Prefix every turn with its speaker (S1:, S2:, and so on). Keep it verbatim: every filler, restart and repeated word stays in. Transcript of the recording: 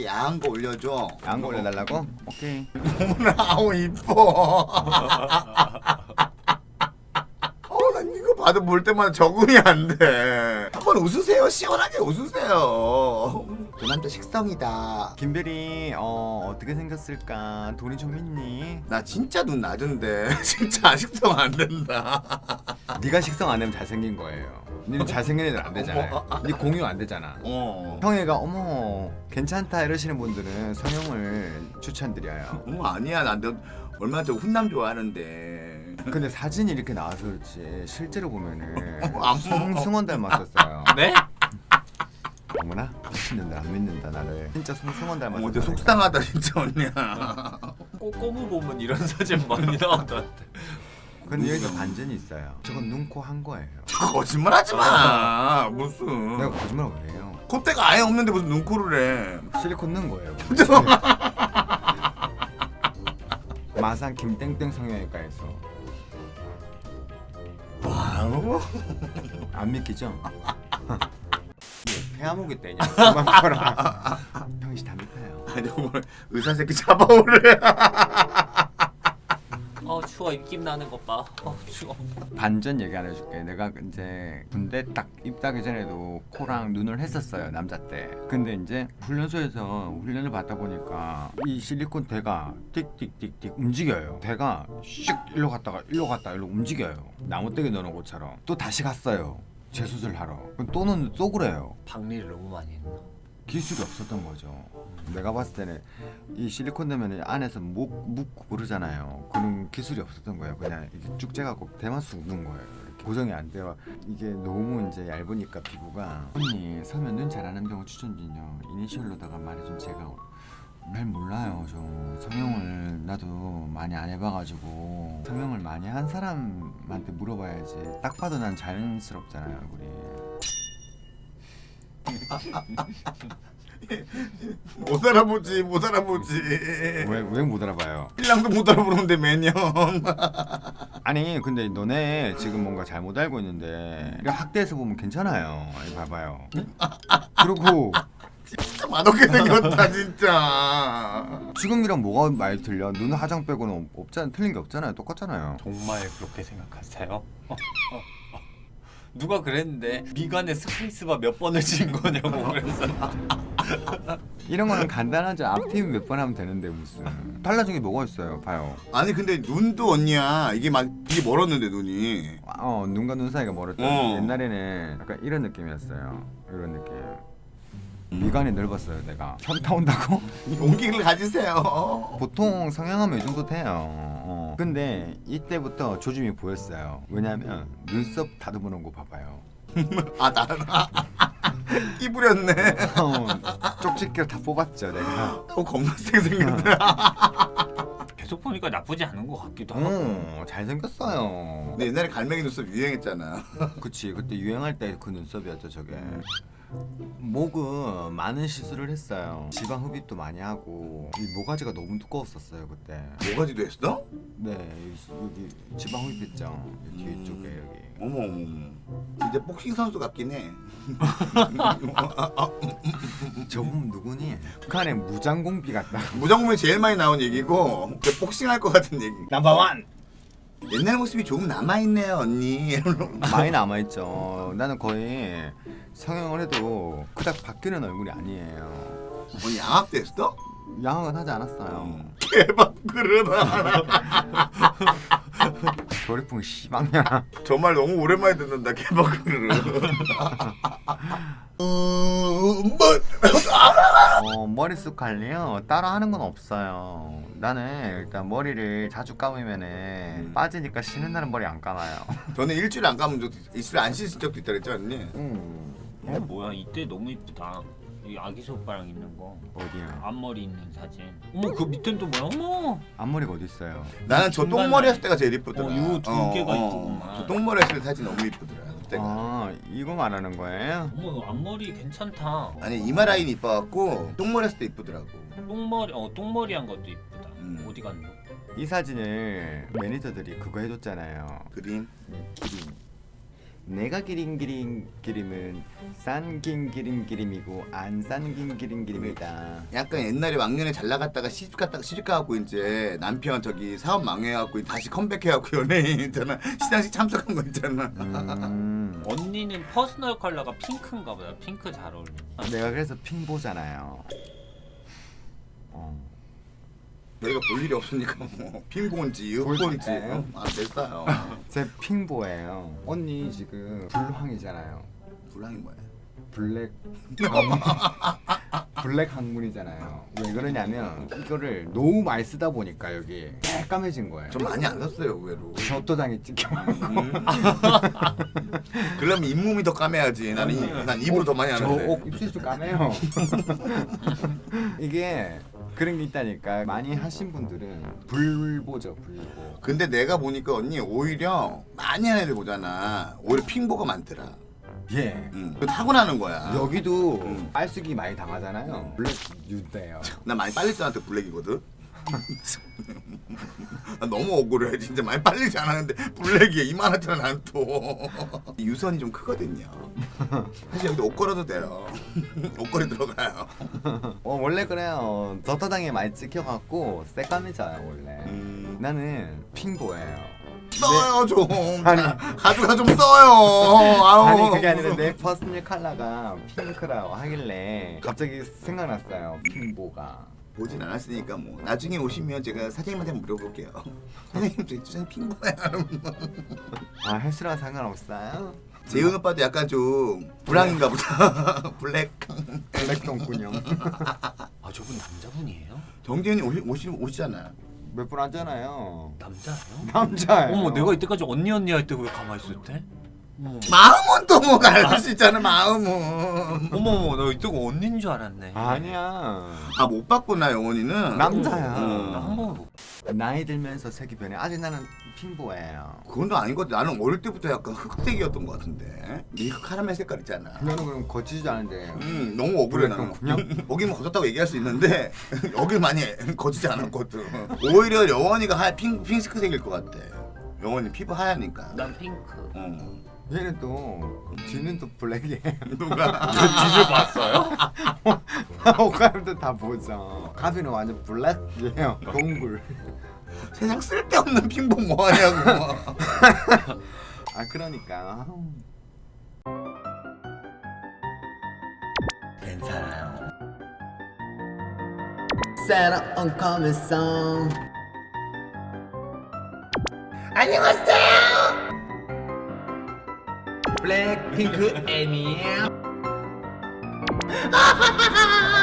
S1: 게 야한 거 올려줘.
S2: 야한 거 올려달라고? 오케이.
S1: 어머나 아우 이뻐. 어난 이거 봐도 볼 때마다 적응이 안 돼. 한번 웃으세요. 시원하게 웃으세요. 그 남자 식성이다.
S2: 김별이 어 어떻게 생겼을까? 돈이 좀 있니?
S1: 나 진짜 눈 낮은데 진짜 식성 안 된다.
S2: 네가 식성 안 되면 잘생긴 거예요. 니는 잘생긴 애들 안 되잖아요. 니 공유 안 되잖아.
S1: 어.
S2: 형애가 어머 괜찮다 이러시는 분들은 성형을 추천드려요.
S1: 어머 아니야 난 너 얼마나 저 훈남 좋아하는데.
S2: 근데 사진이 이렇게 나와서 그렇지 실제로 보면은
S1: 안
S2: 송승헌 닮았었어요.
S3: 네?
S2: 어머나 미친놈들 안 믿는다 나를. 진짜 송승헌 닮았어.
S1: 어제 속상하다 진짜 언니야.
S3: 꼬꼬무 보면 이런 사진 많이 나온다는데.
S2: 근데 여기서 반전이 있어요. 저건 눈코 한 거예요.
S1: 거짓말하지 마. 무슨?
S2: 내가 거짓말 왜 해요?
S1: 콧대가 아예 없는데 무슨 눈코를 해?
S2: 실리콘 넣은 거예요. 마산 김땡땡 성형외과에서.
S1: 와우.
S2: 안 믿기죠? 폐암호기 때냐? 그만 봐라. 형이 다 믿어요.
S1: 아니 오늘 의사 새끼 잡아오래.
S3: 어 추워 입김 나는 것 봐. 어 추워.
S2: 반전 얘기 하나 해줄게. 내가 이제 군대 딱 입대하기 전에도 코랑 눈을 했었어요 남자 때. 근데 이제 훈련소에서 훈련을 받다 보니까 이 실리콘 대가 띡띡띡띡 움직여요. 대가 슉 일로 갔다가 일로 갔다 일로 움직여요. 나무떼기 넣는 것처럼. 또 다시 갔어요. 재수술 하러. 그럼 또는 또 그래요.
S3: 박리를 너무 많이 했나?
S2: 기술이 없었던 거죠. 내가 봤을 때는 이 실리콘 넣으면 안에서 목 묻고 그러잖아요. 그런 기술이 없었던 거예요. 그냥 이렇게 쭉 재갖고 대만 쑥는 거예요. 이렇게 고정이 안 돼요. 이게 너무 이제 얇으니까 피부가. 언니 서면 눈 잘하는 병원 추천 중요. 이니셜로다가 말해준 제가 잘 몰라요. 좀 성형을 나도 많이 안 해봐가지고 성형을 많이 한 사람한테 물어봐야지. 딱 봐도 난 자연스럽잖아요 얼굴이.
S1: 못 알아보지 못 알아보지.
S2: 왜 왜 못 알아봐요?
S1: 신랑도 못 알아보는데 매년.
S2: 아니 근데 너네 지금 뭔가 잘못 알고 있는데 이거 학대에서 보면 괜찮아요. 이거 봐봐요. 그리고
S1: 진짜 맛없게 생겼다 진짜.
S2: 지금이랑 뭐가 많이 틀려? 눈 화장 빼고는 없잖아. 틀린 게 없잖아요. 똑같잖아요.
S3: 정말 그렇게 생각하세요? 누가 그랬는데 미간에 스페이스바 몇 번을 친 거냐고 그랬어.
S2: 이런 거는 간단하죠. 앞팀 몇 번 하면 되는데 무슨 달라진 게 뭐가 있어요? 봐요.
S1: 아니 근데 눈도 언니야. 이게 막 이게 멀었는데 눈이.
S2: 어 눈과 눈 사이가 멀었죠.
S1: 어.
S2: 옛날에는 약간 이런 느낌이었어요. 이런 느낌. 미간이 넓었어요. 내가 현타 온다고?
S1: 용기를 가지세요.
S2: 보통 성형하면 이 정도 돼요. 어. 근데 이때부터 조짐이 보였어요. 왜냐면 눈썹 다듬어놓은 거 봐봐요.
S1: 아 나는 끼 부렸네.
S2: 어, 쪽집게로 다 뽑았죠 내가.
S1: 어 겁나 세게 생겼다.
S3: 계속 보니까 나쁘지 않은 것 같기도 하고.
S2: 어, 잘생겼어요.
S1: 근데 옛날에 갈매기 눈썹 유행했잖아.
S2: 그치 그때 유행할 때 그 눈썹이었죠 저게. 목은 많은 시술을 했어요. 지방 흡입도 많이 하고 이 모가지가 너무 두꺼웠었어요 그때.
S1: 뭐가지도 했어?
S2: 네 여기, 여기 지방 흡입했죠. 여기 뒤쪽에 여기.
S1: 어머 어머 어머. 이제 복싱 선수 같긴 해.
S2: 저분 누구니? 북한의 무장공비 같다.
S1: 무정부에 제일 많이 나온 얘기고 복싱 할 것 같은 얘기.
S3: 넘버원.
S1: 옛날 모습이 조금 남아있네요 언니.
S2: 많이 남아있죠. 나는 거의 성형을 해도 그닥 바뀌는 얼굴이 아니에요.
S1: 언니 양압됐어?
S2: 양악은 하지 않았어요.
S1: 개밥 그러다.
S2: 조리풍 씨방이야.
S1: 저 말 너무 오랜만에 듣는다. 개밥 그르르.
S2: 어, 머리숱 관리요? 따로 하는 건 없어요. 나는 일단 머리를 자주 감으면은 빠지니까 쉬는 날은 머리 안 감아요.
S1: 저는 일주일 안 감은 적도 있- 일주일 안 씻은 적도 있다 그랬죠 언니?
S2: 음.
S3: 어 뭐야 이때 너무 이쁘다. 이 아기 손가락 있는 거.
S2: 어디야?
S3: 앞머리 있는 사진. 어머 그 밑엔 또 뭐야? 어머.
S2: 앞머리가 어디 있어요?
S1: 나는 저
S3: 중간에-
S1: 똥머리 했을 때가 제일 이쁘더라.
S3: 어, 요 두 개가 이쁘구만.
S1: 저 똥머리 했을 때 사진 너무 이쁘더라 그때가.
S2: 아 이거 말하는 거예요?
S3: 어머 앞머리 괜찮다.
S1: 아니 이마 라인 이뻐갖고 똥머리 했을 때 이쁘더라고.
S3: 똥머리 어 똥머리 한 것도 이쁘다.
S1: 음.
S3: 어디 갔노?
S2: 이 사진을 매니저들이 그거 해줬잖아요.
S1: 그림.
S2: 기린. 내가 기린 기린 기림은 싼긴 기린 기림이고 안 싼긴 기린 기림이다.
S1: 약간 옛날에 왕년에 잘 나갔다가 시집 갔다가 시집 가갖고 이제 남편 저기 사업 망해갖고 다시 컴백해갖고 연예인 있잖아. 시상식 참석한 거 있잖아.
S2: 음.
S3: 언니는 퍼스널 컬러가 핑크인가 보다. 핑크 잘 어울린다.
S2: 내가 그래서 핑보잖아요. 어.
S1: 저희가 볼 일이 없으니까 뭐 핑본지 흑본지
S2: 볼까요?
S1: 아 됐어요.
S2: 제 핑보예요. 언니 지금 불황이잖아요.
S1: 불황이 뭐야?
S2: 블랙 블랙 학문이잖아요. 왜 그러냐면 이거를 너무 많이 쓰다 보니까 여기 새까매진 거예요.
S1: 좀 많이 안 샀어요 의외로.
S2: 젖도당에 찍혀.
S1: 음. 그러면 잇몸이 더 까매야지. 나는 이, 난 입으로 더 많이 하는데.
S2: 저옥 입술이 좀 까매요. 이게 그런 게 있다니까. 많이 하신 분들은 불보죠, 불보.
S1: 근데 내가 보니까 언니 오히려 많이 하는 애들 보잖아. 오히려 핑보가 많더라.
S2: 예.
S1: 응. 그 타고나는 거야.
S2: 여기도
S1: 음.
S2: 빨쓰기 많이 당하잖아요. 블랙 유대요.
S1: 나 많이 빨리지 않한테 블랙이거든. 나 너무 억울해. 진짜 많이 빨리지 않았는데 블랙이야. 이만하잖아 난 또. 유선이 좀 크거든요. 사실 여기도 옷 걸어도 돼요. 옷걸이 들어가요.
S2: 어 원래 그래요. 젖도당에 많이 찍혀갖고 새까매져요 원래.
S1: 음.
S2: 나는 핑보예요.
S1: 써요 좀.
S2: 아니.
S1: 자, 가져가 좀 써요. 아우.
S2: 아니 그게 아니라 내 퍼스널 컬러가 핑크라고 하길래 갑자기 생각났어요. 핑보가.
S1: 보진 않았으니까 뭐 나중에 오시면 제가 사장님한테 물어볼게요. 사장님 저 주장이 핑보야.
S2: 아 헬스랑 상관없어요?
S1: 재훈 오빠도 약간 좀 불황인가 보다. 블랙.
S2: 블랙 똥꾸녕.
S3: 아 저분 남자분이에요?
S1: 정재훈이 오시, 오시, 오시잖아.
S2: 몇 분 하잖아요.
S3: 남자예요?
S2: 남자예요.
S3: 어머 내가 이때까지 언니 언니 할 때 왜 가만히 있었대? 어머
S1: 마음은 또 뭐 알고 수 있잖아 마음은.
S3: 어머 어머 나 이때가 언니인 줄 알았네.
S2: 아니야.
S1: 아 못 봤구나 영원이는.
S2: 남자야.
S3: 나 한 번 못.
S2: 나이 들면서 색이 변해. 아직 나는 핑보예요.
S1: 그건 또 아닌 것 같아. 나는 어릴 때부터 약간 흑색이었던 것 같은데. 밀크 카라멜 색깔 있잖아.
S2: 너는 그럼 거치지도 않은데.
S1: 음 너무 억울해 나는.
S2: 그냥?
S1: 여기는 거쳤다고 얘기할 수 있는데 여길 많이 거치지 않았거든. 오히려 영원이가 하 핑 핑크색일 것 같아. 영원이 피부 하얘니까.
S3: 난 핑크.
S1: 어.
S2: 얘는 또 뒤는 또 블랙이에요.
S1: 누가?
S3: 뒤를 봤어요?
S2: 옷가림도 다 보죠. 가비는 완전 블랙이에요. 동굴.
S1: 세상 쓸데없는 핑보 뭐 하냐고.
S2: 아 그러니까.
S1: 괜찮아요.
S2: Set up on coming song.
S1: 안녕하세요.
S2: 블랙핑크 애니에요.